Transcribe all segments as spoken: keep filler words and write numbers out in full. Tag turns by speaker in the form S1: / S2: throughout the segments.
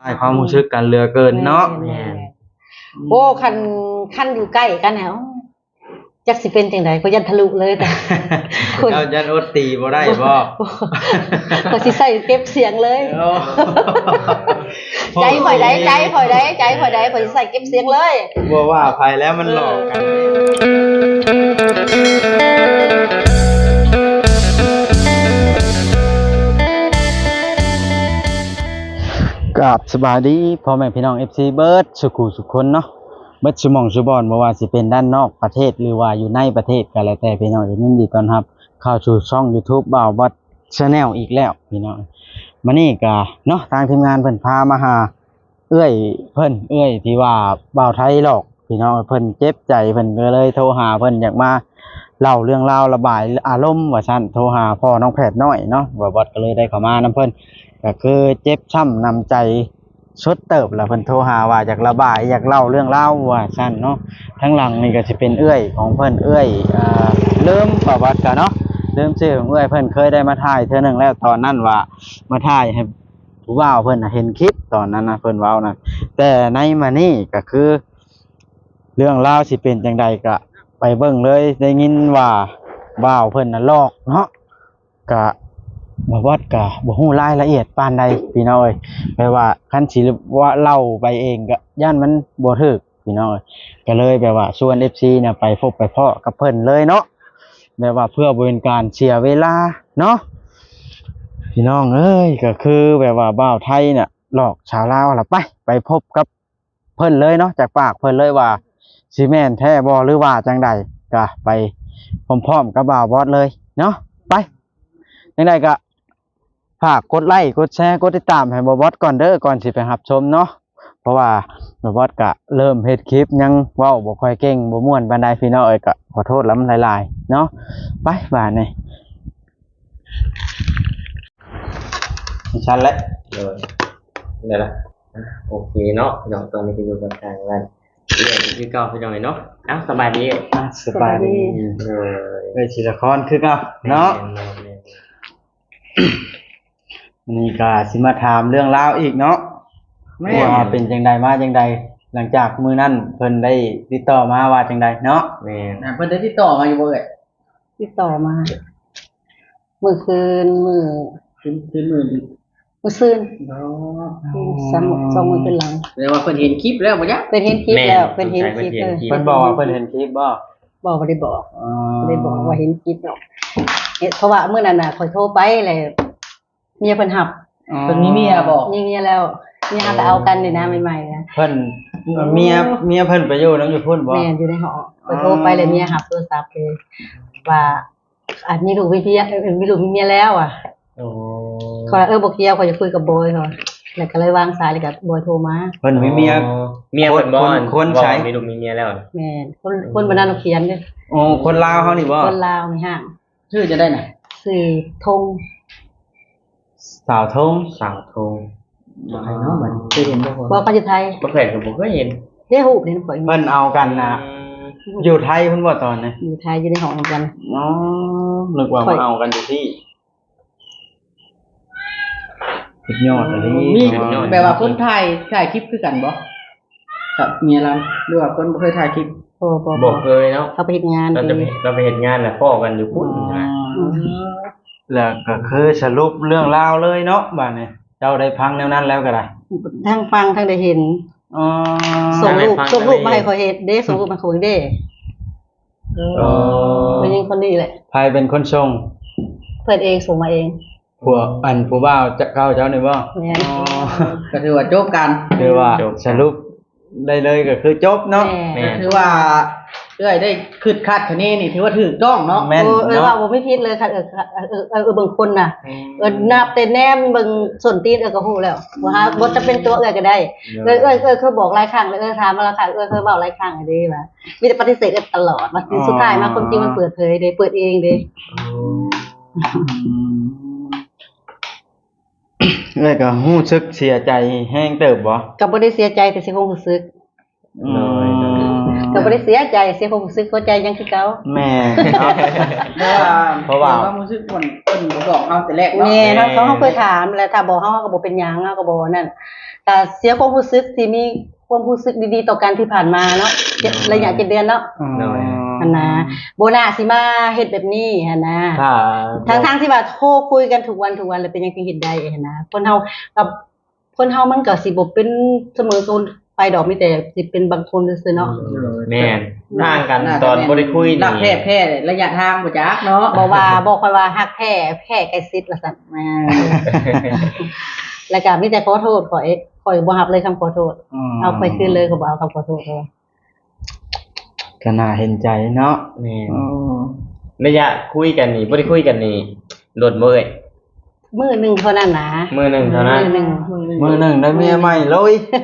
S1: ให้ความรู้สึกกันเหลือเกินเนาะ
S2: โอ้คันคันอยู่ใกล้กันแหวจักสิเป็นจังได๋ก็ยันทะลุเลยแต่
S1: เรายันอดตีบ่ได้บ่
S2: ก็สิใส่เก็บเสียงเลยใจข่อยได้ใจข่อยได้ใจข่อยได้ข่อยสิใส่เก็บเสียงเลย
S1: บ่ว่าไผแล้วมันหลอกกันกับสบายดีพ่อแม่พี่น้อง เอฟ ซี เบิร์ดสุขุสุขคนเนาะเบิร์ดชุมองชุบอนบ่ว่าสิเป็นด้านนอกประเทศหรือว่าอยู่ในประเทศก็แล้วแต่พี่น้องยินดีต้อนรับเข้าสู่ช่อง YouTube บ่าววัด Channel อีกแล้วพี่น้องมื้อนี้ก็เนาะทางทีมงานเพิ่นพามาหาเอื้อยเพิ่นเอื้อยที่ว่าบ่าวไทยหลอกพี่น้องเพิ่นเจ็บใจเพิ่นก็เลยโทรหาเพิ่นอยากมาเล่าเรื่องราวระบายอารมณ์ว่าซั่นโทรหาพ่อน้องแพทย์น้อยเนาะบ่าววัดก็เลยได้เข้ามานํเพิ่นก็คือเจ็บช้ำนำใจสุดเติบแล้วเพิ่นโทรหาว่าอยากระบายอยากเล่าเรื่องราวว่าซั่นเนาะทั้งหลังนี่ก็สิเป็นเอื้อยของเพิ่นเอื้อยอ่าเริ่มประวัติกันเนาะเริ่มชื่อของเอื้อยเพิ่นเคยได้มาถ่ายเทื่อนึงแล้วตอนนั้นว่ามาถ่ายให้ผู้บ่าวเพิ่นน่ะเห็นคลิปตอนนั้นนะเพิ่นเว้านะแต่ในมานี่ก็คือเรื่องราวสิเป็นจังใดก็ไปเบิ่งเลยได้ยินว่าบ่าวเพิ่นน่ะหลอกเนาะก็บ่วัดก็บ่ฮู้รายละเอียดปานใดพี่น้องเอ้ยแปลว่าคันสิว่าเล่าไปเองก็ย่านมันบ่ถูกพี่น้องเอ้ยก็เลยแบบว่าชวน เอฟ ซี เนี่ยไปพบไปพ้อกับเพิ่นเลยเนาะแบบว่าเพื่อบ่เป็นการเสียเวลาเนาะพี่น้องเอ้ยก็คือแบบว่าบ่าวไทยเนี่ยหลอกชาวลาวล่ะไปไปพบกับเพิ่นเลยเนาะจากปากเพิ่นเลยว่าสิแม่นแท้บ่หรือว่าจังใดก็ไปพร้อมๆกับบ่าวบอสเลยเนาะไปจังใดก็ฝากกดไลค์กดแชร์กดติดตามให้บ่าวบอสก่อนเด้อก่อนสิไปรับชมเนาะเพราะว่าบ่าวบอสก็เริ่มเฮ็ดคลิปยังเว้าบ่ค่อยเก่งบ่ม่วนปานใดพี่น้องเอ้ยก็ขอโทษลำหลายๆเนาะไปบาดนี้ชันแล้ว
S3: เลยเดี๋ยวละโอเคเนาะพี่น้องตอนนี้ก็อยู่กับทางร้านเรื่องที่เก่าพี่น้องเนาะอ้าวสบายดี
S1: สบายดีเออเอ้ยศิลครคือเก่าเนาะนี่ก็สิมาถามเรื่องราวอีกเนาะว่าเป็นจังใดมาจังใดหลังจากมื้อนั้นเพิ่นได้ติดต่อมาว่าจังใดเนาะ
S3: แม่น
S4: เพิ่นได้ติดต่อมาอยู่บ่เอ่ย
S2: ติดต่อมามื้อคืนมื้อ
S4: คืนคืนมื้อ
S2: มื้อซืนเนาะซ้ำสองมื้อขึ้นหลัง
S4: แปลว่าเพิ่นเห็นคลิปแล้วบ่จ๊ะ
S2: เพิ่นเห็นคลิปแล้วเพิ่นเห็นคลิปเลย
S1: เพิ่นบอกว่าเพิ่นเห็นคลิปบ่
S2: บ่บ่ได้บอกอ๋อบ่ได้บอกว่าเห็นคลิปหรอกเพราะว่ามื้อนั้นน่ะข่อยโทรไปแล้วเมียเพิ่นรับ
S4: เพิ่นมีเมียบ่
S2: มีเมียแล้วเมียก็เอากันนี่นะใหม่ๆนะ
S1: เพิ่นเมียเมียเพิ่นไปอยู่นำอยู่พุ่นบ่
S2: แม่อยู่ในหอข่อยโทรไปแล้วเมียรับโทรศัพท์เลยว่าอาจมีลูกมีเมียมีลูกมีเมียแล้วอ่ะ
S1: โอ้
S2: เขาเออบ่เกี่ยวเขาจะคุยกับบอยเขาแล้วก็เลยวางสายแล้วก็บอยโทรมา
S1: เพิ่นมีเมีย
S3: เมียเพิ่นบ่
S1: คนใช้
S3: มีลูกมีเมียแล้ว
S2: แม่นคนคนบ้านนั้นเขียนเด้อ
S1: โอ้คนลาวเฮานี่บ่
S2: คนลาวนี่ฮะ
S4: ชื่อจะได้น่ะ
S2: ชื่อธง
S1: สาวธง
S3: สาวธง
S4: บ่ให้เนาะบัดเคยเห็นบ่
S2: บ่เขาอยู่ไทย
S3: บ่เคยก็บ่เคยเห็น
S2: เด้ฮู้เด้ข่อย
S1: เพิ่นเอากันน่ะอยู่ไทยเพิ่นบ่ตอนนี้
S2: อยู่ไทยอยู่ในห้องกัน
S1: อ๋อนึกว่ามาเอากันอยู่ที่สุดยอดเลย
S4: มีแบบว่าคนถ่ายถ่ายคลิปคือกันบ่ครับเมียเราหรือว่าคนบ่เคยถ่ายคลิป
S2: บ่บ่
S3: บ่เคยเนาะ
S2: เขาไปเฮ็ดงาน
S3: เราจะเราไปเฮ็ดงานแล้วพ้อกันอยู่พุ่นนะ
S1: แล้วก็คือสรุปเรื่องราวเลยเนาะบัดนี้เจ้าได้ฟังแนวนั้นแล้วก็ได้
S2: ทั้งฟังทั้งได้เห็น
S1: อ๋อ
S2: ส่งรูปส่งรูปมาให้เขาเฮ็ดเด้ส่งรูปมาเขาเด้อ๋อเป็นยังคนนี้แหละ
S1: ใครเป็นคนส่ง
S2: เพิ่นเองส่งมาเอง
S1: ผัวอันผู้บ่าวจะเข้าเจ้านี่บ่
S2: แม่น
S4: ก็ถือว่าจบกัน
S1: คือว่าสรุปได้เลยก็คือจบเนาะ
S4: ก็ถือว่าเอ้ยได้คิดคาดคะเนนี่ถือว่าถูกต้องเนาะ
S2: เออเออว่าบ่มีผิดเลยค่ะเออเออเออเบิ่งคนน่ะเออนับแต่แนมเบิ่งส้นตีนเออก็ฮู้แล้วว่าหาบ่จะเป็นตัวเอ้ยก็ได้เอ้ยเอ้ยเอ้ยเคยบอกหลายครั้งแล้วเอ้ยถามมาแล้วค่ะเอ้ยเคยเว้าหลายครั้งเด้ว่ามีแต่ปฏิเสธตลอดว่าสุดท้ายมาความจริงมันเปิดเผยเด้เปิดเองเด้
S1: เอ้ยก็รู้สึกเสียใจแฮงเติบบ่
S2: ก็บ่ได้เสียใจแต่สิคงรู้สึก
S1: น้อยๆ
S2: ก็บ่ได้เสียใจเสียความรู้สึกเข้าใจยังคือเก่า
S1: แม่
S4: เพราะว่าเพราะว่าความรู้สึกคนเพิ่นบ่บอกเฮาแต่แรกเนาะ
S2: แม่เนาะเขาเฮาเคยถามแล้วถ้าบอกเฮาก็บ่เป็นหยังเฮาก็บ่นั่นก็เสียความรู้สึกที่มีความรู้สึกดีๆต่อกันที่ผ่านมาเนาะเจ็ดระยะเจ็ดเดือนเนาะ
S3: หน่อย
S2: อันนะโบนาสิมาเฮ็ดแบบนี้หั่นนะ
S3: ถ้า
S2: ทั้งทางๆที่ว่าโทรคุยกันทุกวันทุกวันแล้วเป็นยังไงเฮ็ดได้หั่นนะคนเฮากับคนเฮามันก็สิบ่เป็นเสมอคนไปดอกมีแต่สิเป็นบางคนซื่อๆเนาะ
S3: แม่นต่างกันตอนบ่ได้คุย
S4: รักแท้แพ้ระยะทางบ่จักเนาะ
S2: บ่ว่าบ่ค่อยว่าฮักแท้แพ้ใกล้ชิดว่าซั่นแม่แล้วก็มีแต่ขอโทษข่อยข่อยบ่รับเลยคำขอโทษเอาไปคืนเลยก็บ่เอาคำขอโทษเลย
S1: ก็น่าเห็นใจเนาะ
S3: แม่น
S1: อ๋อ
S3: ระยะคุยกันนี่บ่ได้คุยกันนี่โดดบ่เอ้ย
S2: มื้อหนึงเท่านั้นนะ
S3: มื้อหนึงเท่านั้น
S2: มื้อหนึง
S1: มือหนึ่งได้เมียใหม่เลย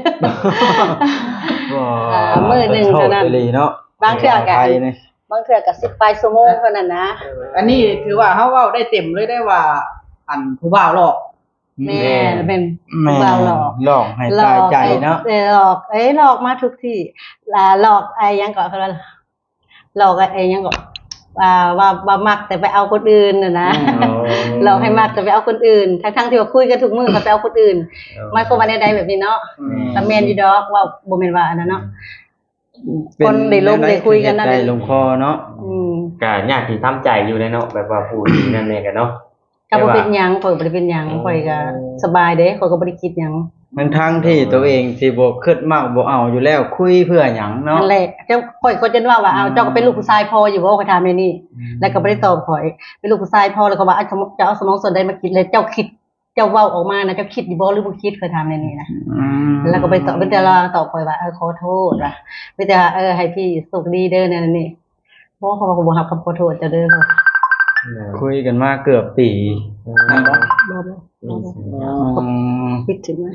S2: อ่ามื้อหนึ่งเท่านั้น
S1: โชคดีเนาะ
S2: บางเทื่อก็
S1: ไปนี่
S2: บางเทื่อก็สิบปลายชั่วโมงเท่านั้นนะ
S4: อันนี้ถือว่าเฮาเว้าได้เต็มเลยได้ว่า อันผู้บ่าวหลอก
S2: แม่เป็น
S1: แม่
S2: บ่าวหลอก
S1: หลอกให้ตายใจเนาะ
S2: เออหลอกเอ้ยหลอกมาทุกที่ลาหลอกไอ้ยังก่อนเขาว่าหลอกไอ้ยังก่อนว่าว่าว่ามักแต่ไปเอาคนอื่นน่ะนะหลอกให้มักแต่ไปเอาคนอื่นทั้งๆที่ว่าคุยกันทุกมื้อก็ไปเอาคนอื่นหมายความว่าใดๆแบบนี้เนาะแล้วแม่นอยู่ดอกว่าบ่แม่นว่าอันนั้นเนาะ คนได้ลมได้คุยกันนั่น
S1: ได้ลงคอเนาะ
S2: อืม
S3: ก็ยากที่ทำใจอยู่เลยเนาะแบบว่าพูดที่นั่นแน่กันเนาะ
S2: ก็บ่เป็นหยังข่อยบ่ได้เป็นหยังข่อยก็สบายเด้ข่อยก็บ่ได้คิดหยัง
S1: ทั้งทั้งที่ตัวเองสิบ่คิดมากบ่เอาอยู่แล้วคุยเพื่อหยังเนาะ
S2: นั่นแหละเจ้าข่อยก็จะว่าว่าเอาเจ้าก็เป็นลูกผู้ชายพออยู่บ่ข่อยถามในนี่แล้วก็บ่ได้ตอบข่อยเป็นลูกผู้ชายพอแล้วก็ว่าเอาสมองจะเอาสมองส่วนใดมาคิดเลยเจ้าคิดเจ้าเว้าออกมานะเจ้าคิดอยู่บ่หรือบ่คิดข่อยถามในนี่นะ
S1: อืม
S2: แล้วก็ไปตอบเป็นแต่ละตอบข่อยว่าเออขอโทษว่ะมีแต่เออให้พี่สุขดีเด้อนั่นนี่บ่เขาก็บ่รับคำขอโทษเจ้าเด้อเขา
S1: คุยกันมาเกือบปี
S2: บ่บ่บ่บ่
S1: อืม
S2: คิดถึงมั้ย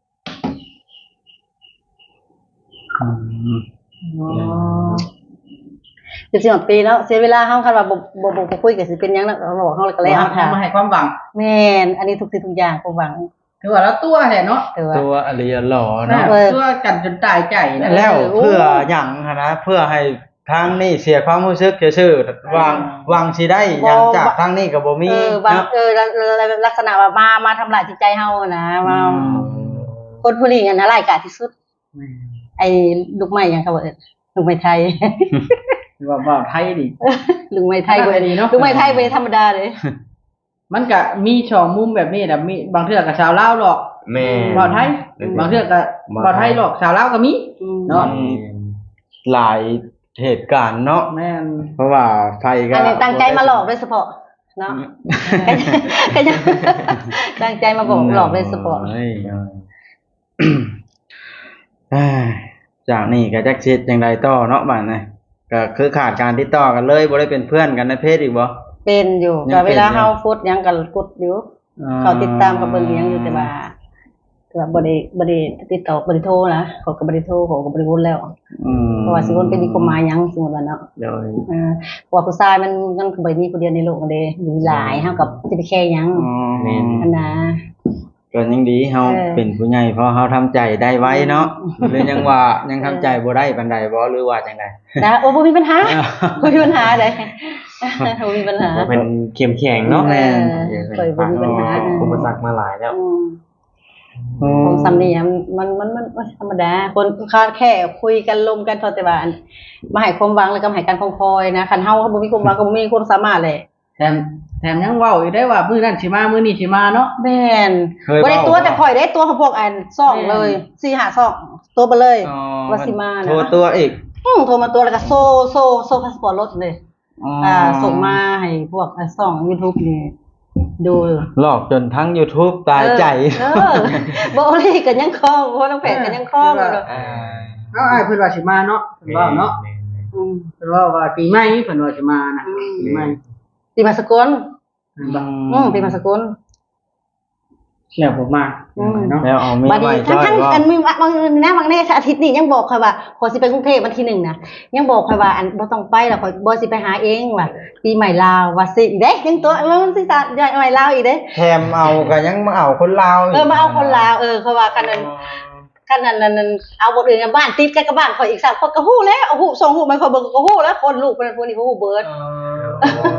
S1: อืม
S2: อ๋อสิบสี่ปีแล้วเสียเวลาเฮาคันว่าบ่บ่บ่บ่คุยก็สิเป็นหยังนะเราบอกเฮาแล้วก็แล้ว
S4: เฮา
S2: ถาม
S4: มาให้ความหวัง
S2: แม่นอันนี้ทุกสิ่งทุกอย่างผมหวัง
S4: ถือว่าแล้วตัวแท้เนาะ
S2: แต่ว่า
S1: ตัวอริยหล่อเนาะ
S2: เออ
S4: ตัวกันจนตายใจนะ
S1: แล้ว
S2: โอ้
S1: เพื่อหยังหั้นนะเพื่อให้ทางนี้เสียความรู้สึกซื่อๆวางวางสิได้หยังจากทางนี้ก็บ่มี
S2: เออบาง
S1: เนาะ
S2: เออลักษณะว่ามามาทำลายจิตใจเฮานะมา
S1: อืม
S2: คนผู้นี้อันน่ะร้ายกาจที่สุด ไอ้ลูกไม้หยังเขาว่าเอิ้นลูกไม้ไทย
S4: ถือว่าบ่าวไทยดิ
S2: ลูกไม้ไทย
S4: ขนาดนี้เนาะ
S2: ลูกไม้ไทยเป็นธรรมดาเลย
S4: มันก็มีช่องมุมแบบนี้แหละมีบางเทื่อก็ชาวลาวหลอก
S3: แม่
S4: บ่าวไทย บางเทื่อก็บ่าวไทยหลอกชาวลาวก็มี เนาะ
S1: อืมหลายเหตุการณ์เนาะ
S4: แม่น
S1: เพราะว่าไฟก็
S2: อันนี้ตั้งใจมาหลอกโดยเฉพาะเนาะก็ยังตั้งใจมาบอกหลอกโดยเฉพาะ
S1: เอ้ยเอ้ยจากนี้ก็จักสิจังไดต่อเนาะบัดนี้ก็คือขาดการติดต่อกันเลยบ่ได้เป็นเพื่อนกันในเพจอีกบ่
S2: เป็นอยู่
S1: ยัง
S2: ก็
S1: เป็น
S2: เวลา
S1: อยู่
S2: เฮาฟุตหยังก็กดอยู่ เขาติดตามกับเบิ่งหยังอยู่แต่ว่าแต่ว่าบ่ได้บ่ได้ติดต่อบ่ได้โทรนะเขาก็บ่ได้โทรเขาก็บ่ได้วนแล้ว
S1: อืม
S2: เพราะว่าสิวนเป็นมีความหมายหยังสมมุติว่าเนาะ
S3: โดย
S2: เออเพราะว่าผู้ชายมันมันก็บ่ได้มีผู้เดียวในโลกนั่นเด้มีหลายเฮากับสิไปแค่หยัง
S1: อ๋อ
S2: อันนะ
S1: ก็ยังดีเฮา
S2: เออ
S1: เป็นผู้ใหญ่เพราะเฮาทำใจได้ไว้เนาะหรือยังว่ายังทำใจบ่ได้ปานใดบ่หรือว่าจังได
S2: นะโอ้บ่มีปัญหาบ่มีปัญหาเด้บ่มีปัญหา
S3: ก็เป็นเข้มแข็งเนาะ
S2: เออเคยบ่มีปัญหา
S3: อุปสรรคมาหลายแล้ว
S2: อืมของซ้ำนี่มันมันมันมันธรรมดาคนค่าแค่คุยกันลมกันเท่าแต่ว่าอันมาให้ความหวังแล้วก็มาให้การคงคอยนะคันเฮาบ่มีความหวังก็บ่มีความสามารถเลย
S4: แถมแถมยังเว้าอีกได้ว่ามื้อนั้นสิมามื้อนี้สิมาเนาะ
S2: แม่น
S1: เคย
S2: บ่ได้
S1: เว้า
S2: ตัวแต่ข่อยได้ตัวเขาพวกอันซ่องเลย
S4: แม่
S2: สี่ห้าซ่องตัวไปเลย
S1: อ๋อ
S2: ว่าสิมานะ
S1: โทรตัวอีก
S2: อืมโทรมาตัวแล้วก็โซ่โซ่โซ่พาสปอร์ตรถเลย อ่าส่งมาให้พวกอ่าซ่อง YouTube นี่ดู
S1: หลอกจนทั้ง YouTube ตายใจ
S2: เออบ่เลยก็ยังคล้องเพราะน้องแผนก็ยังคล้องอยู่
S1: อ่า
S4: เอาอ้ายเพิ่นว่าสิมาเนาะเพิ่นว่าเนาะ
S2: อืม
S4: เพิ่นว่าว่าปีใหม่เพิ่นว่าสิมานะปีใหม่
S2: ปีมาสกล
S4: เพิ่นว่า
S2: อืมปีมาสกล
S4: แล้วผมมา
S2: อืม
S4: เนาะ
S1: แล้วเอามี
S2: บัด
S1: ไว้
S2: นี้
S1: จ้อย
S2: ทั้ง
S1: ว่า
S2: ๆอันมีบางนะบางแน่อาทิตย์นี้ยังบอกค่อยว่าขอสิไปกรุงเทพวันที่หนึ่งนะยังบอกค่อยว่าอันบ่ต้องไปแล้วข่อยบ่สิไปหาเองว่าปีใหม่ลาวว่าสิอีกเด้ยังตัวมันสิตาใหม่ลาวอีกเด้
S1: แถมเอาก็ยังมาเอาคนลาวก
S2: เออมาเอาคนลาวเออเขาว่าคันนั้นคันนั้นนั้นเอาบ่อื่นบ้านติดกันกับบ้านข่อยอีกสามคนก็ฮู้แล้วเอาฮู้ส่งฮู้มันข่อยเบิ่งก็ฮู้แล้วคนลูกเป็นพวกนี้ก็ฮู้เบิด
S1: อ๋อ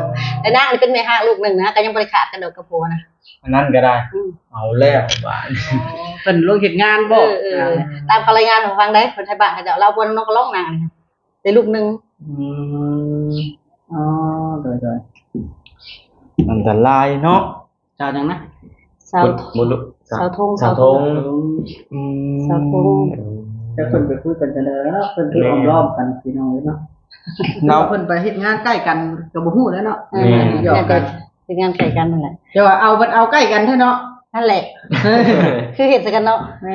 S2: แต่นางนี่เป็นแม่ห้างลูกหนึงนะก็ยังบ่ได้ขาดกันดอกกับผัวนะ
S1: อันนั้นก็ได้
S2: อืม
S1: เอาแล้วบาด
S4: เพิ่นลงเฮ็ดงาน
S2: เอ
S4: บ่
S2: อเออตามคำรายงานของฟังได้คนไทยบ้านเขาจะเราบนนกกระร้องนางนี่ได้ลูกหนึง
S1: อืม
S4: อ๋อโดย
S1: อันตรายเนาะ
S4: ๆเจ้าจังนะ
S2: สาว
S3: บุญ
S2: สาวธง
S3: สาวธง
S1: อืม
S2: สาวธง
S4: แต่เพิ่นไปคุยกันจังได๋แล้วเพิ่นคืออ้อมล้อมกันพี่น้องเนาะ
S1: เนาะ
S4: เพิ่นไปเฮ็ดงานใกล้กันก็บ่ฮู้แล้วเนาะ
S2: เออ
S4: หยอก
S2: เนี่ย
S4: กั
S2: แต่
S4: น
S2: เป็นงานไก่กันนั่นแหละ
S4: แต่ว่าเอาบัดเอาใกล้กันเถอะเนาะ
S2: นั่นแหละ คือเห็นสกันเนาะ
S4: แม่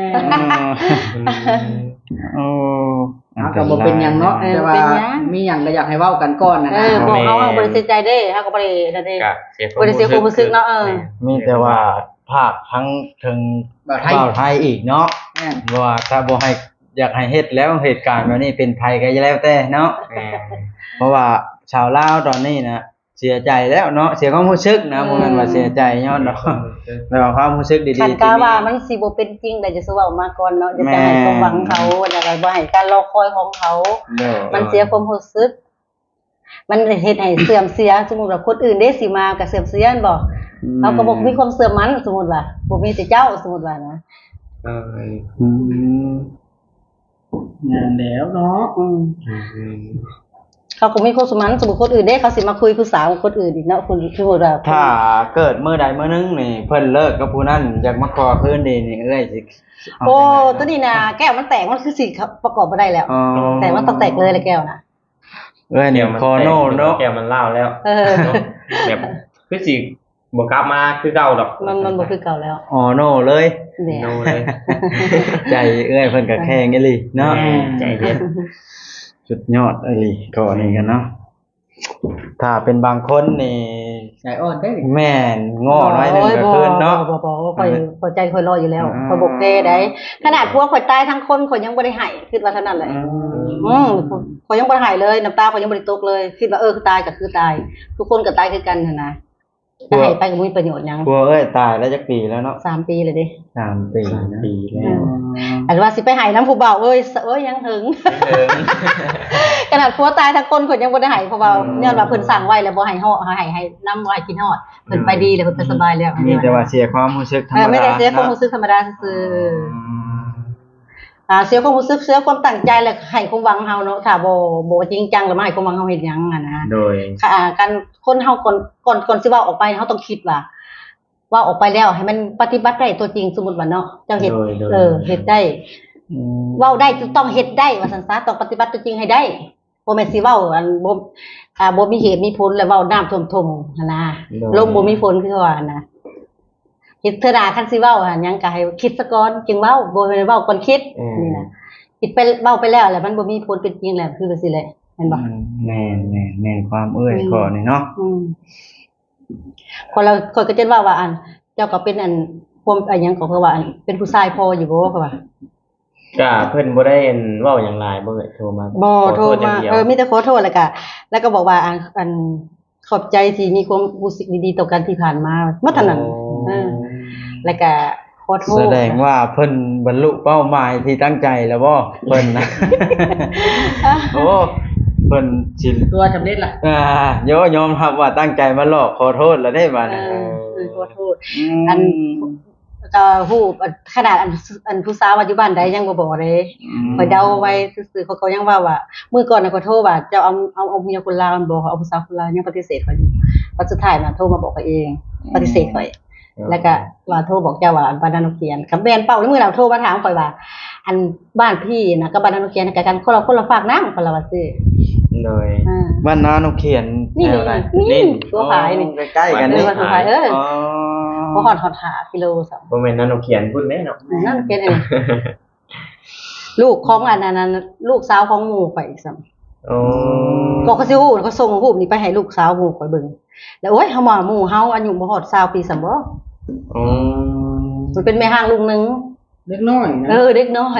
S1: โอ้
S4: เอาก็บ่เป็นหยังเนาะ
S2: เออ
S4: แต่ว่า
S2: เป็นหยัง
S4: มีหยังก็อยากให้เว้ากันก่อนนะ
S2: เอ
S4: นะ
S2: อบอกเขาว่าบริสุทธิ์ใจได้เขาก็บรินั่นเอง
S3: ก็เสีย
S2: บ่ได้เสียความรู้สึกเนาะเออ
S1: มีแต่ว่าภาคทั้งถึง
S4: บ่ไทย
S1: เว้าไทยอีกเนาะ
S4: แม่น
S1: ว่าถ้าบ่ให้อยากให้เฮ็ดแล้วเหตุการณ์แบบนี้เป็นภัยก็แล้วแต่เนาะ
S3: แม่
S1: เพราะว่าชาวลาวตอนนี้นะเสียใจแล้วเนาะเสียความรู้สึกนะบ่แม่นว่าเสียใจย้อนดอกแต่ว่าความรู้สึกดีๆ
S2: คัน
S1: ที่
S2: กาว่า
S1: มี
S2: มันสิบ่เป็นจริงแต่จะสู้เอามาก่อนเนาะจะจะให้ความหวังเขาแล้วก็บ่ให้การรอคอยของเขา
S1: เด้อ
S2: มันเสียความรู้สึก มันเฮ็ดให้เสื่อมเสียสมมุติว่าคนอื่นได้สิมาก็เสื่อมเสียนบ่เขาก็บ่มีความเสื่อมมันสมมุติว่าบ่มีแต่เจ้าสมมุติว่านะ
S3: เออ
S1: อืม
S4: งานแล้วเนาะ
S2: อืม
S3: อืม
S2: เขาก็มีความสมันสมมุติคนอื่นได้เขาสิมาคุยผู้สาวกับคนอื่นอีกเนาะคนที่ว่า
S1: ถ้าเกิดมื้อใดมื้อหนึงนี่เพิ่นเลิกกับผู้นั้นอยากมาขอคืนดีนี่เอ้ยสิเา
S2: โอ้
S1: จังได๋
S2: ตัวนี้นะแก้วมันแตกมันคือสิประกอบบ่ได้แล้ว
S1: อ๋อ
S2: แต่มันต้องแตกเลยแหละแก้วนะ
S1: เอ้ยนี่คอโน่เนาะ
S3: แก้วมันเล่าแล้ว
S2: เออ
S3: เนาะแบบคือสิบ่กลับมาคือเก่าดอก
S2: มันมันบ่คือเก่าแล้ว
S1: อ๋อโน่เลย
S2: เนี่ย
S3: โนเลย
S1: ใจเอ้ยเพิ่นก็แข็งอีหลีเนาะ
S3: แม่ใจเย็น
S1: สุดยอดอีหลีก็นี่กันเนาะถ้าเป็นบางคนนี่
S4: ใจอ่อนได้
S1: แม่นง้อน้อยหนึงก็คืนเนาะ
S2: บ่บ่บ่ข่อยข่อยใจข่อยรออยู่แล้ว
S1: อ่า
S2: ข่อยบ่เก้ได้ขนาดพวกข่อยตายทั้งคนข่อยยังบ่ได้ให้คิดว่าเท่านั้นแหละอืมข่อยยังบ่ได้ให้เลยน้ำตาข่อยยังบ่ได้ตกเลยคิดว่าเออคือตายก็คือตาย ทุกคนก็ตายคือกันนั่นนะจะให้ไปก็บ่มีประโยชน์หยัง
S1: กลัวเอ้ยตายแล้วจักปีแล้วเนาะ
S2: สามปีเลยเด้
S1: สามปี
S3: สาม
S1: นะ
S3: ปีแล้ว
S2: อันว่าสิไปให้น้ำผู้เบาเอ้ยเอ้ยยังถึง
S3: เดิม
S2: ขนาดผัวตายทั้งคนเพิ่นยังบ่ได้ให้เพราะว่าย้อนว่าเพิ่นสั่งไว้แล้วบ่ให้ฮอดให้ให้น้ำบ่ให้กินฮอดเพิ่นไปดีแล้วเพิ่นไปสบายแล้ว
S1: มีแต่ว่าเสียความรู้สึกธรร
S2: เอ
S1: ม
S2: อ
S1: ดา
S2: ไม่ได้เสียความ
S1: นะ
S2: รู้สึกธรรมดาซื่อ
S1: อืม
S2: ๆอ่าเสียความรู้สึกเสียความตั้งใจแล้วให้ความหวังเฮาเนาะถ้าบ่บ่จริงจังแล้วมาให้ความหวังเฮาเฮ็ดหยังอ่ะนะ
S3: โดย
S2: ค่ะอ่าการคนเฮาก่อนก่อนก่อนสิเว้าออกไปเฮาต้องคิดว่าว่าออกไปแล้วให้มันปฏิบัติได้ตัวจริงสมมุติว่าเนาะเจ้าเฮ็ด
S3: โดยโดย
S2: เออเฮ็ดได้
S1: อืม
S2: เว้าได้ต้องเฮ็ดได้ว่าซั่นซะต้องปฏิบัติตัวจริงให้ได้บ่แม่นสิเว้าอันบ่อ่าบ่มีเหตุมีผลแล้วเว้าน้ำท่วมๆหั่นนะลมบ่มีฝนคือว่าหั่นนะเฮ็ดเทื่อหน้าคันสิเว้าหั่นหยังก็ให้คิดซะก่อนจึงเว้าบ่แม่นเว้าก่อนคิดนี่นะคิดไปเว้าไปแล้วแล้วมันบ่มีผลเป็นจริงแล้วคือว่าสิแหละแม่นบ่
S1: แม่นแม่นแม่นความเอ้ย
S2: อืม
S1: ก่อนนี่เนาะ
S2: อืมคนเราคนก็จะว่าว่าอัน เจ้าก็เป็นอันพวมอันหยังก็เพราะว่าอันเป็นผู้ชายพออยู่บ่เขาว่า
S3: ก็เพิ่นบ่ได้เห็นเว้าหยังหลายบ่เอ่ยโทรมา
S2: บ่โทร
S3: ขอษย่
S2: มาง
S3: ดียว
S2: เออมีแต่ขอโทษแล้วก็แล้วก็บอกว่าอันอันขอบใจที่มีความรู้สึกดีๆต่อกันที่ผ่านมาเมื่อเท่านั้นเออแล้วก็ขอโทษ
S1: แสดงว่าเพิ่นบรรลุเป้าหมายที่ตั้งใจแล้วบ่เพิ่นนะ โอ้เพิ่นสิ
S4: ตัวสำเร็จล่ะ
S1: อ่าโยยอมรับว่าตั้งใจมาหลอกขอโทษแล้วได้บัด
S2: เอ
S1: นี้
S2: อเออขอโทษ
S1: ม
S2: อัน ก็ฮู้ขนาดอันอันผู้สาวปัจจุบันใดยังบ่บอกเลย
S1: ม
S2: ข่อยเดาไว้ซื่อๆเขาก็ยังว่าว่ามื้อก่อนน่ะข่อยโทรว่าเจ้าเอาเอาเอาเมียคนลาวมันบ่เอาผู้สาวคนลาวยังปฏิเสธข่อยอยู่วันสุดท้ายน่ะโทรมาบอกข่อยเอง ปฏิเสธข่อย แล้วก็ว่าโทรบอกเจ้าว่าบ้านนาโนเกียนคำแบนเป้าแล้วมื้อเราโทรมาถามข่อยว่า อันบ้านพี่น่ะกับบ้านนาโนเกียนก็กันคนละคนละฝากน้ำคนละว่าซื่อ
S3: โดย
S2: อ่า
S1: บ้านนานกเขียน
S2: นี่
S1: แถวไหน
S2: นี่ตัวผายนี่
S1: อ๋อใกล้ๆกัน
S2: เอ
S1: นี่
S2: อว่าตัวผายเออ
S1: อ๋อ
S2: บ่ฮอดฮอดห้ากิโลซ้ํ
S3: บ่แม่นนั่นเอาเขียนพูดแม่เนาะ
S2: นั่นเป็นอันนี้ลูกของอันนั้นน่ะลูกสาวของหมู่ข่อยอีกซ้ํ
S3: โอ้
S2: ก็เขาสิฮู้เขาส่งรูปนี้ไปให้ลูกสาวหมู่ข่อยเบิ่งแล้วโอ๊ยเฮามาหมู่เฮาอายุบ่ฮอดยี่สิบปีซ้ํบ่
S3: โอ้
S2: มันเป็นแม่ห้างลุงนึง
S4: เล็กน้อยนะ
S2: เออเด็กน้อย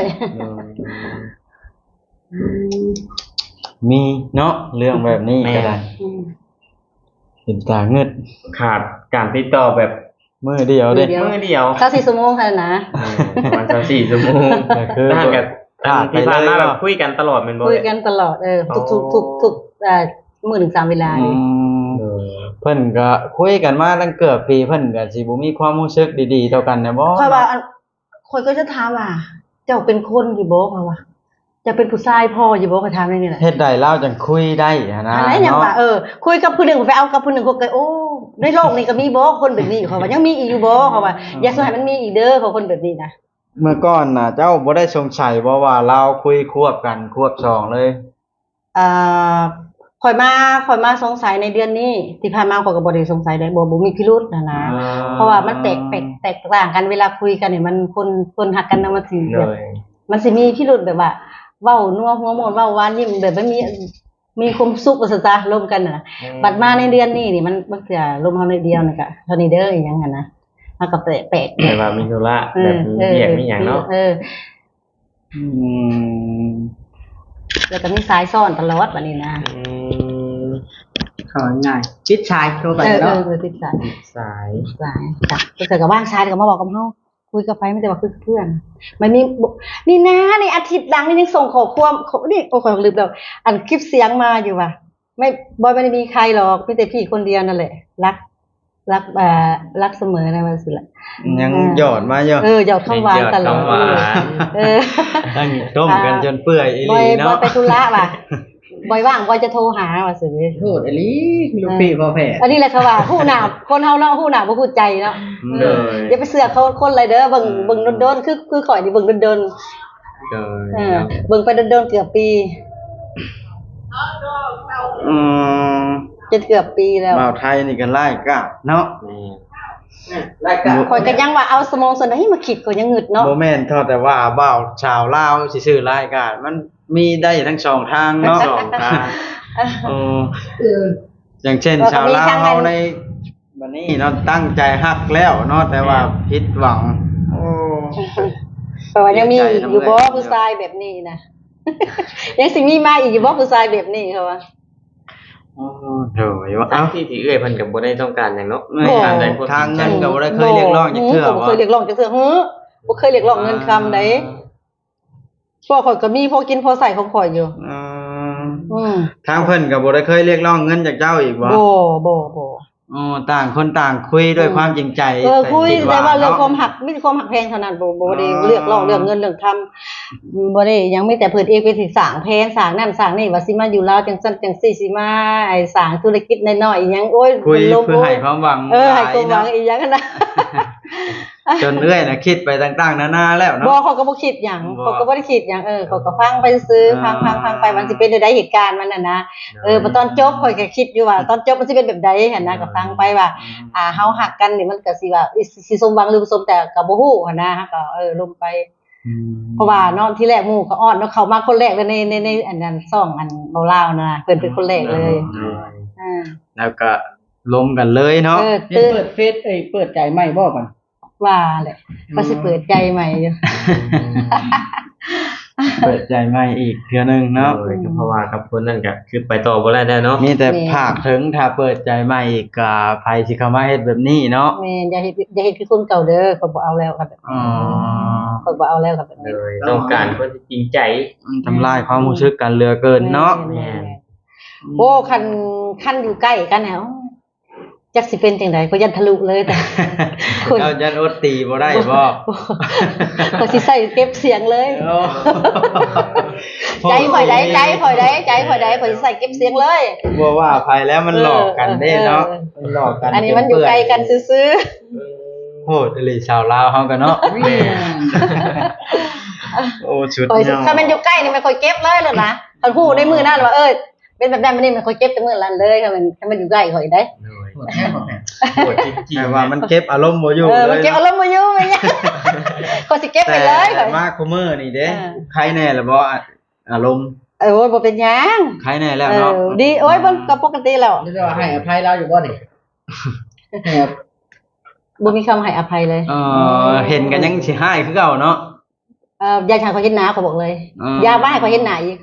S1: มีเนาะเรื่องแบบนี้ก็ได้
S2: อืม
S1: เห็นตาเงึด
S3: ขาดการติดต่อแบบ
S1: มือเดียวเด้
S2: มือเดียว
S3: มือเดียว
S2: สักสี่ชั่วโมงเท่านั้นนะ
S3: เออประมาณสามสี่ชั่วโมง
S1: ก็คือ
S3: นั่นกับ
S1: ขาดไป
S3: ที่ผ่านมา
S1: เลย
S3: แบบคุยกันตลอดเป็นบ่
S2: คุยกันตลอดเออทุกทุกทุกทุกเอ่อมื้อหนึ่งสามเวลา
S1: อื
S2: เลย
S1: ม
S3: เออ
S1: เพิ่นก็คุยกันมาตั้งเกือบปีเพิ่นก็สิบ่มีความรู้สึกดีๆต่อกันนะบ่
S2: ค่อยว่าอันค่อยก็จะถามว่า เจ้าเป็นคนอยู่บ่เขาว่าจะเป็นผู้ชายพ่ออยู่บ่เขาถามนี่แหละ
S1: เฮ็ดได้แล้วจังคุยได้หันนะ
S2: อะไรอย่างว่าเออคุยกับผู้หนึ่งไปเอากับผู้หนึ่งก็เกิดโอ้ในโลกนี้ก็มีบ่คนแบบนี้เขาว่ายังมีอีกอยู่บ่เขาว่าอย่าสงสัยมันมีอีกเด้อเขาคนแบบนี้นะ
S1: เมื่อก่อนน่ะเจ้าบ่ได้สงสัยบ่ว่าเราคุยควบกันควบสองเลย
S2: อ่าข่อยมาข่อยมาสงสัยในเดือนนี้ที่ผ่านมาข่อยก็บ่ได้สงสัยได้บ่บ่มีพิรุธนะนะ
S1: อ่า
S2: เพราะว่ามันแตกแตกแตกต่างกันเวลาคุยกันเนี่ยมันคนคนหักกันนะมันสิ
S3: เล
S2: แบบ
S3: ย
S2: มันสิมีพิรุธแบบว่าเว้านัวหัวโมนเว้าหวานยิ้มแบบไม่มีมีความสุขว่าซะจ้ะร่วมกันน่ะบัดมาในเดือนนี้นี่มันมันจะลมเฮาในเดียวนี่ก็เท่านี้เด้ออีหยังหั่นนะมันก็แปลกแปลก
S3: แต่ว่ามีธุระแบบมีเรียกมีหยังเนาะ
S2: เออ
S1: อืม
S2: แล้วก็มีสายซ่อนตลอดบัดนี้นะ
S3: อืม
S4: เขาง่ายจิตชายโทรไป
S2: เออเอ
S4: เนาะ
S2: อเออติดสาย
S3: สาย
S2: สายจ้ะก็เกิดกับว่างชายก็มาบอกกับเฮาคุยกับไฟไม่ได้ว่าคือเพื่อนมันมีบอกนี่นะในอาทิตย์หลังนี่ยังส่งขอความขอนี่โอ้ขอลืมแล้วอันคลิปเสียงมาอยู่ว่ะไม่บอยไม่ได้มีใครหรอกมีแต่พี่คนเดียวนั่นแหละรักรักเอ่อรักเสมอนะว่าสิล่ะ
S1: ยังหยอดมาอยู่
S2: เออหยอดคำหวานตลอด
S3: หยอดคำหวาน
S2: เออ
S1: ตั้งต้มกันจนเปื่อยอีห
S2: บอย
S1: ลี
S2: บอ
S1: เนาะ
S2: ยไปธุระว่ะบอยว่างบอยจะโทรหาว่าสิ
S4: โทษอลีลูกพี่พ่อแพ้
S2: อันนี้แหละค่ะว่าผู้หนาคนเฮาเนาะผู้หนาบ่พูดใจเนาะ
S1: เลย
S2: อย่าไปเสือกเขาคนเลยเด้อเบิ่งเบิ่งโดนๆคือคือข่อยนี่เบิ่งโดน
S3: เลย
S2: ๆเออเบิ่งไปโดนๆเกือบปี
S1: อืม
S2: จนเกือบปีแล้ว
S1: บ่าวไทยนี่ก็ไล่กะเนาะ
S3: นี่
S4: รายการ
S2: ข่อยก็ยังว่าเอาสมองส่วนไหนมาคิดก็ยังงึดเนาะ
S1: บ่แม่นเท่าแต่ว่าบ่าวชาวลาวสิซื้อรายการมันมีได้ทั้งสองทางเนาะ
S3: สองทาง
S1: เออ
S4: เออ
S1: อย่างเช่นชาวลาวเฮาในบัดนี้เนาะตั้งใจฮักแล้วเนาะแต่ว่าผิดหวัง โอ้
S2: เพราะว่ายังมีอีกอยู่บ่ผู้ชายแบบนี้นะ ยังสิมีมาอีกอยู่บ่ผู้ชายแบบนี้เขาว่า
S1: โอ้โดยว่า
S3: ทา
S1: เอ้าง
S3: ที่ที่เอื้อยเพิ่นก็บ่ได้ต้องการหยังเนาะ
S1: ไม่
S3: ทางใดคน
S1: ทางเงินก็บ่ได้เคยเรียกร้องจักเทื่อ
S2: บ่บ่เคยเรียกร้องจักเทื่อฮึบ่เคยเรียกร้องเงินคำใดพวกข่อยก็มีพอกินพอใส่ของข่อยอยู่
S1: อืม
S2: อืม
S1: ทางเพิ่นก็บ่ได้เคยเรียกร้องเงินจากเจ้าอีกบ่
S2: บ่บ่บ่
S1: อ๋อต่างคนต่างคุยด้วยความจริงใจ
S2: เออคุย
S1: ด
S2: แต่ว่าเรื่องความหักมีแต่ความหักแพงเท่านั้นบ่บ่ได้เลือกร้องเรื่องเงินเรื่องทำบ่ได้ยังมีแต่เพิ่นเองไปสิสร้างแผนสร้างนั่นสร้างนี่ว่าสิมาอยู่ลาวจังซั่นจังซี่สิมาไอ้สร้างธุรกิจน้อยๆอีหยังโอ้ย
S1: คุย
S2: มันลบ
S1: เพื่อให้ความหวัง
S2: เออให้ความหวัง
S1: หลาย
S2: อีหยังกันนะ
S1: จนเอื้อยน่ะคิดไปต่างๆนานาแล้ว
S2: บ่
S1: เนาะ
S2: เขาก็บ่คิดหยัง
S1: บ่
S2: เขาก็บ่ได้คิดหยังเออเขาก็ฟังไปซื้อฟังฟังฟังไปมันสิเป็นได้เหตุการณ์มันน่ะนะเออพอตอนจบข่อยก็คิดอยู่ว่าตอนจบมันสิเป็นแบบใดหั่นนะก็ฟังไปว่า อ่าเฮาหักกันนี่มันก็สิว่าอิสิสมหวังหรือบ่สมแต่ก็บ่ฮู้หั่นนะก็เออลงไป
S1: อืม
S2: เพราะว่าเนาะที่แรกหมู่ก็อ้อนเนาะเขามาคนแรกเลยในในในอันนั้นซ่องอันเบาลาวนะเพิ่นเป็นคนแรกเลยอ่า
S1: แล้วก็ลมกันเลยเนาะ
S2: เออ
S4: เฮ็ด
S2: ตื่น
S4: เปิดเฟซเอ้ยเปิดใจใหม่บ่ก่อน
S2: ว่าแหละก็สิเปิดใจใหม่อยู่
S1: เปิดใจใหม่อีกเทื่อหนึงเนาะ
S3: โดยก็เพราะว่ากับคนนั่นก็คือไปต่อบ่ได้แน่เนาะ
S1: มีแต่ภาคถึงถ้าเปิดใจใหม่อีกก็ไผสิเข้ามาเฮ็ดแบบนี้เนาะ
S2: แม่นอย่าเฮ็ดอย่าเฮ็ดคือคนเก่าเด้อเขาบ่เอาแล้วครับแบบ
S1: อ๋อ
S2: นี้เขาบ่เอาแล้วครับแบบ
S3: โด
S2: นี้
S3: ยต้องการคนที่จริงใจ
S1: มันทำลายความรู้สึกกันเหลือเกินเนาะ
S2: แม่นๆโอ้คันคันอยู่ใกล้กันแล้วจักสิเป็นจังไดก็ยันทะลุเลยแต่ คน
S1: เจ้ายันอดตีบ่ได้บ่
S2: ก็สิใส่เก็บเสียงเลย ใจข่อยได้ใจข่อยได้ใจข่อยได้ข่อยสิใส่เก็บเสียงเลย
S1: บ่ว่าภัยแล้วมันหลอกกันเด้เนาะ
S2: เออ
S1: มันหลอกกัน
S2: อันนี้มันอยู่ไกลกันซื่อ
S1: โหดอีหลีชาวลาวเฮากันเนาะโอ้ชุด
S2: ๆข่อยสิ
S1: เนาะ
S2: ถ้ามันอยู่ใกล้นี่มันข่อยเก็บเลยเลยนะคันพูดในมือนั่นว่าเออเป็นแบบนั้นมันนี่มันข่อยเก็บแต่มือนั้นเลยถ้ามันถ้ามันอยู่ใกล้ข่อยได้
S3: โดย
S4: โหดแท้พ่อแพ้
S3: โหดจริง
S1: แต่ว่ามันเก็บอารมณ์บ่อยู่
S2: เออ
S1: เล
S2: มัน
S1: ย
S2: เก็บอารมณ์บ่อยู่แม่นยังข่อยสิเก็บไปเลยข่
S1: แต่
S2: อย
S1: มาคุมื้อนี่เด้
S2: เออ
S1: ใครแน่ล่ะบ่อารมณ์
S2: เออโอ้ยบ่เป็นหยัง
S1: ใครแน่แล้ว
S2: เอ
S1: เนาะ
S2: อดีโอ้ยมันก็ปกติแล้ว
S4: นี่จะว่าให้อภัยเราอยู่บ่นี่ให้อภัย
S2: บ่มีคำให้อภัยเลย
S1: เออเห็นกันยังสิให้คือเก่าเนาะ
S2: เอ่ออย่าให้ข่อยเห็นหน้าเขาบอกเลย
S1: อืม
S2: อย่าบ่ให้ข่อยเห็นหน้าอีกเขาบอก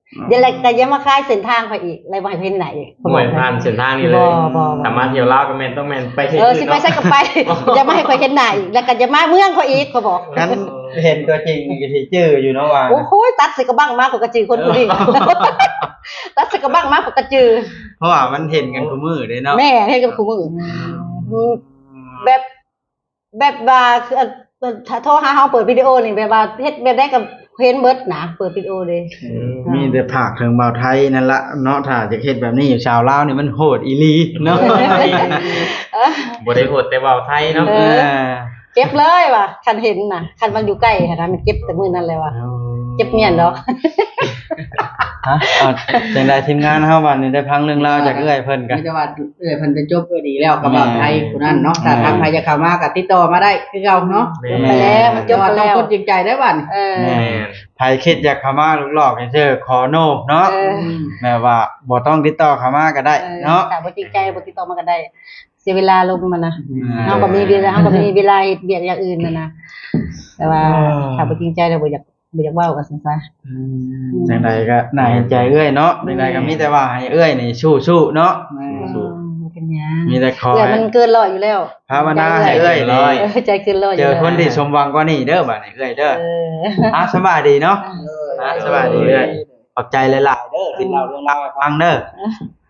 S2: เดี๋ยวอะไรก็ยังมาคายเส้นทางไปอีกอะไรบ่ให้เพิ่นไหนอีก
S3: หน่วยผ่านเส้นทางนี้เลย
S2: บ่บ่บ่
S3: สามารถเที่ยวลาวก็แม่นต้องแม่นไปเที่ยว
S2: เออสิไปใส่กับไปอย่ามาให้ข่อยเห็นหน้าอีกแล้วก็จะมาเมืองเขาอีกเขาบอก
S1: งั้นเห็นตัวจริงนี่ก็สิจื้ออยู่เนาะว่า
S2: โอ้โหตัดใส่กระบังมากกว่ากระจือคนผู้นี้ ตัดใส่กระบังมากกว่ากระจือ
S1: เพราะว่ามันเห็นกันทุกมื้อเด้เนาะ
S2: แม่ให้กับคู่มืออืมแบบแบบว่าคือเอ่อถ้าโทรหาเฮาเปิดวิดีโอนี่แบบว่าเฮ็ดแบบได้กับเห็นเบิดนะเปิดวิดีโอเลย
S1: มีแต่ภาคถึงเบาไทยนั่นละเนาะถ้าจะเฮ็ดแบบนี้อยู่ชาวลาวนี่มันโหดอีหลีเนาะ
S2: เออ
S3: บ่ได้โหดแต่เว้าไทยเนาะ
S2: เออ เก็บเลยว่ะคันเห็นน่ะคันมันอยู่ใกล้ค่ะนะมันเก็บแต่มื้อนั้นเลยว่ะเก็บเมียนดอก
S1: ฮะเอาจังไดทีมงานเฮาบัดนี้ได้พังเรื่องราวจากเอื้อยเพิ่นกัน
S4: มีแต่ว่าเอ้ยเพิ่นเป็นจบก็ดีแล้วกับบ่าวไทยผู้นั้นเนาะถ้าทางใครจะเข้ามาก็ติดต่อมาได้คือเก่าเนาะ
S3: แม่
S2: ไปแล้วมันจ
S4: แต่
S2: บ
S4: ว่า
S2: ไป
S4: ต้อง
S2: แล้ว
S4: คนจริงใจได้บัด
S2: เออ
S1: แม่ ไผคิดอยากเข้ามาลูกหลอกให้เจอขอโนบเนาะ
S2: เออ
S1: แม่ว่าบ่ต้องติดต่อเข้ามาก็ได้เนาะ
S2: แต่บ่จริงใจบ่ติดต่อมาก็ได้ เสียเวลาลงมันนะ
S1: อืม
S2: เฮาก็มีเวลาเฮาก็มีเวลาเฮ็ดเวียกอย่างอื่นน่ะนะแต่ว่า
S1: อ๋อ
S2: ถ้าบ่จริงใจแล้วบ่อยากบ่อยากเว้ากันซั่นซะ
S1: จังไดก็น่าเห็นใจเอื้อยเนาะจังไดก็มีแต่ว่าให้เอื้อยนี่สู้ๆเนาะ
S2: อืมเป็นหยัง
S1: มีแต่ขอ
S2: เอื้อย
S1: ให้
S2: มันเกินร้อยอยู่แล้ว
S1: ภาวนาให้เอื้อยนี่
S2: เออใจเกินร้อยอ
S1: เจ
S2: ยู่
S1: อ
S2: แล้ว
S1: คนที่สมหวังกว่านี้เด้อบัดนี้เอื้อยเด้อ
S2: เออ
S1: อ่ะสบายดีเนาะอ่ะสบายดีเอื้อยขอบใจหลายๆเด้อที่เล่าเรื่องราวให้ฟังเด้อ